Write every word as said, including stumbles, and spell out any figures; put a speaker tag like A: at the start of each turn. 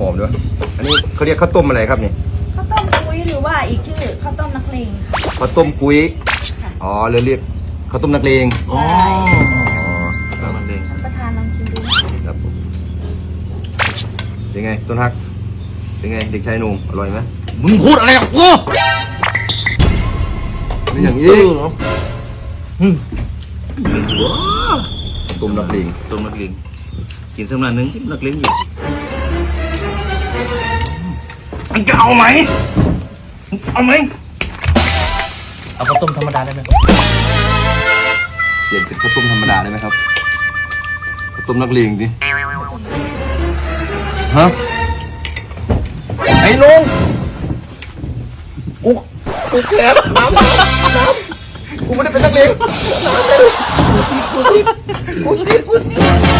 A: อมด้วยอันนี้เขาเรียกข้าวต้มอะไรครับนี่
B: ข้าวต้มกุ้ยหรือว่าอีกชื่อข้าวต้มนักเลงค่ะ
A: ข้าวต้มกุ้ย
B: ค่ะ
A: อ๋อเรียกเรียกข้าวต้มนักเลง
B: ใช่
A: อ๋อ
C: มันเอง
B: ท่านประธานลองชิมดู
A: ครับผมเป็นไงต้นฮักเป็นไงเด็กชายหนุ่มอร่อยไหม
C: มึงพูดอะไรกับกู
A: เป็นอย่างนี้ต้มนักเลง
C: ต้มนักเลงกินสักหน่อยนึงที่นักเลงอยู่มันจะเอาไหมเอาไหมเอาข้าวต้มธรรมดาได้ไหมครับ
A: เปลี่ยนเป็นข้าวต้มธรรมดาได้ไหมครับข้าวต้มนักเลงดิฮะไอ้ลุงกูกูแค้นน้ำน้ำกูไม่ได้เป็นนักเลงกูซีกูซีกูซีกูซี